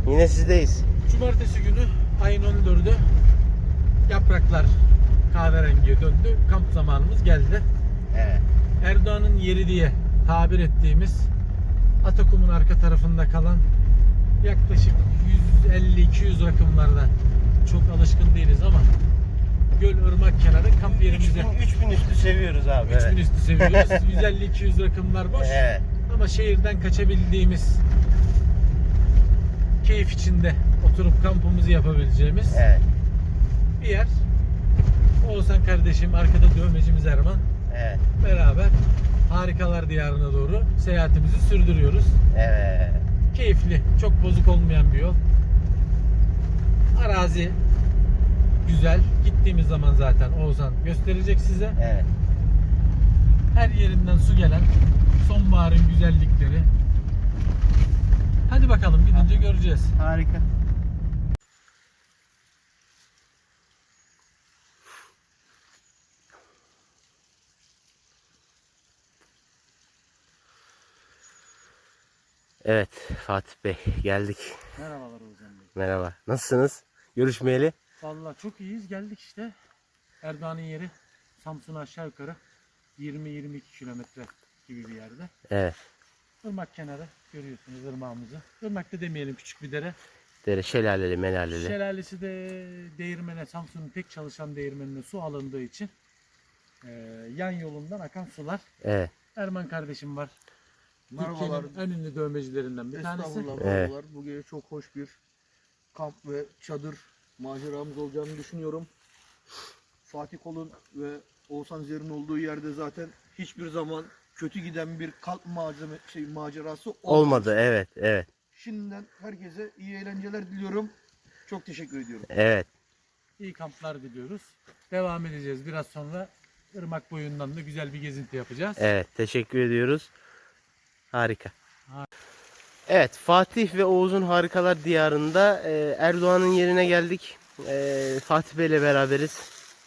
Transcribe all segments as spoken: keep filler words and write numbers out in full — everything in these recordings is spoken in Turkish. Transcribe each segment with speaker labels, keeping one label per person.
Speaker 1: Yine sizdeyiz.
Speaker 2: Cumartesi günü ayın on dördü yapraklar kahverengiye döndü. Kamp zamanımız geldi.
Speaker 1: Evet.
Speaker 2: Erdoğan'ın yeri diye tabir ettiğimiz Atakum'un arka tarafında kalan yaklaşık yüz elli iki yüz rakımlarda, çok alışkın değiliz ama göl, ırmak kenarı kamp yerimize
Speaker 1: üç bin üstü seviyoruz abi.
Speaker 2: üç bin
Speaker 1: Evet.
Speaker 2: üstü seviyoruz. yüz elli iki yüz rakımlar boş.
Speaker 1: Evet.
Speaker 2: Ama şehirden kaçabildiğimiz, keyif içinde oturup kampımızı yapabileceğimiz
Speaker 1: Evet.
Speaker 2: bir yer. Oğuzhan kardeşim, arkada dövmecimiz Erman.
Speaker 1: Evet.
Speaker 2: Beraber harikalar diyarına doğru seyahatimizi sürdürüyoruz.
Speaker 1: Evet.
Speaker 2: Keyifli, çok bozuk olmayan bir yol. Arazi güzel. Gittiğimiz zaman zaten Oğuzhan gösterecek size.
Speaker 1: Evet.
Speaker 2: Her yerinden su gelen sonbaharın güzellikleri. Hadi bakalım, gidince göreceğiz.
Speaker 1: Harika. Evet Fatih Bey, geldik.
Speaker 2: Merhabalar Oğuzhan Bey.
Speaker 1: Merhaba. Nasılsınız? Görüşmeyeli.
Speaker 2: Vallahi çok iyiyiz, geldik işte. Erdoğan'ın yeri Samsun'a aşağı yukarı yirmi yirmi iki kilometre gibi bir yerde.
Speaker 1: Evet.
Speaker 2: Irmak kenarı görüyorsunuz ırmağımızı. Irmak da demeyelim, küçük bir dere.
Speaker 1: Dere şelaleli, melaleli.
Speaker 2: Şelalesi de değirmene, Samsun'un tek çalışan değirmenine su alındığı için e, yan yolundan akan sular.
Speaker 1: Evet.
Speaker 2: Erman kardeşim var.
Speaker 3: Merhabalar.
Speaker 2: Türkiye'nin en ünlü dövmecilerinden bir tanesi.
Speaker 3: Estağfurullah,
Speaker 1: Evet.
Speaker 3: merhabalar. Bu gece çok hoş bir kamp ve çadır maceramız olacağını düşünüyorum. Fatih Kol'un ve Oğuzhan Zer'in olduğu yerde zaten hiçbir zaman kötü giden bir kamp malzeme şey macerası olmadı.
Speaker 1: Olmadı. Evet. Evet.
Speaker 3: Şimdiden herkese iyi eğlenceler diliyorum. Çok teşekkür ediyorum.
Speaker 1: Evet.
Speaker 2: İyi kamplar diliyoruz. Devam edeceğiz. Biraz sonra ırmak boyundan da güzel bir gezinti yapacağız.
Speaker 1: Evet. Teşekkür ediyoruz. Harika.
Speaker 2: Ha-
Speaker 1: Evet. Fatih ve Oğuz'un Harikalar Diyarı'nda e, Erdoğan'ın yerine geldik. E, Fatih Bey ile beraberiz.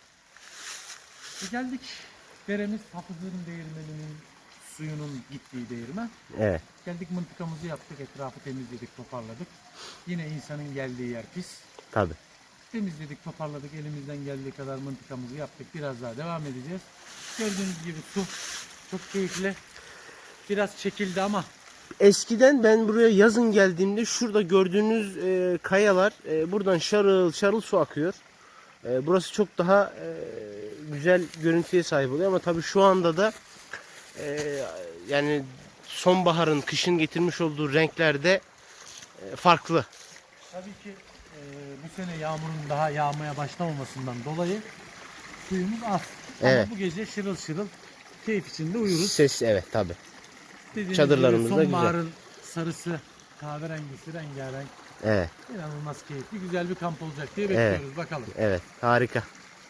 Speaker 2: E geldik. Deremiz Hafızların Değirmeni'nin suyunun gittiği değirmen.
Speaker 1: Evet.
Speaker 2: Geldik, mıntıkamızı yaptık. Etrafı temizledik, toparladık. Yine insanın geldiği yer pis.
Speaker 1: Tabii.
Speaker 2: Temizledik, toparladık. Elimizden geldiği kadar mıntıkamızı yaptık. Biraz daha devam edeceğiz. Gördüğünüz gibi su çok keyifli. Biraz çekildi ama
Speaker 1: Eskiden ben buraya yazın geldiğimde şurada gördüğünüz e, kayalar e, buradan şarıl şarıl su akıyor. E, burası çok daha e, güzel görüntüye sahip oluyor ama tabii şu anda da e, yani sonbaharın, kışın getirmiş olduğu renklerde e, farklı.
Speaker 2: tabii ki e, bu sene yağmurun daha yağmaya başlamamasından dolayı suyumuz az.
Speaker 1: Evet.
Speaker 2: Ama bu gece şırıl şırıl keyif içinde uyuruz.
Speaker 1: Ses evet tabii.
Speaker 2: Dediğiniz
Speaker 1: çadırlarımız
Speaker 2: gibi
Speaker 1: da güzel.
Speaker 2: sonbaharın sarısı, kahverengisi, rengarenk,
Speaker 1: Evet.
Speaker 2: inanılmaz keyifli, güzel bir kamp olacak diye
Speaker 1: Evet.
Speaker 2: bekliyoruz. Bakalım.
Speaker 1: Evet, harika.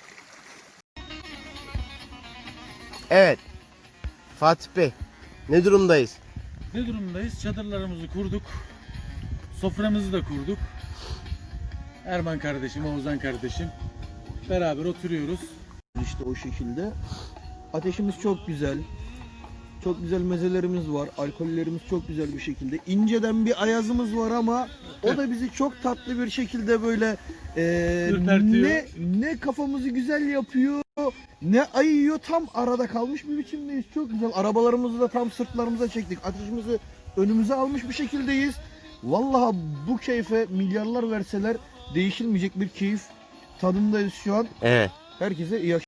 Speaker 1: Evet. Fatih Bey, ne durumdayız?
Speaker 2: Ne durumdayız? Çadırlarımızı kurduk. Soframızı da kurduk. Erman kardeşim, Oğuzhan kardeşim beraber oturuyoruz.
Speaker 3: İşte o şekilde. Ateşimiz çok güzel. Çok güzel mezelerimiz var. Alkollerimiz çok güzel bir şekilde. İnceden bir ayazımız var ama o da bizi çok tatlı bir şekilde böyle e,
Speaker 2: Ürpertiyor.
Speaker 3: ne ne kafamızı güzel yapıyor, ne ayıyor, tam arada kalmış bir biçimdeyiz. Çok güzel. Arabalarımızı da tam sırtlarımıza çektik. Ateşimizi önümüze almış bir şekildeyiz. Vallahi bu keyfe milyarlar verseler değişilmeyecek bir keyif tadındayız şu an.
Speaker 1: Evet.
Speaker 3: Herkese iyi akşamlar.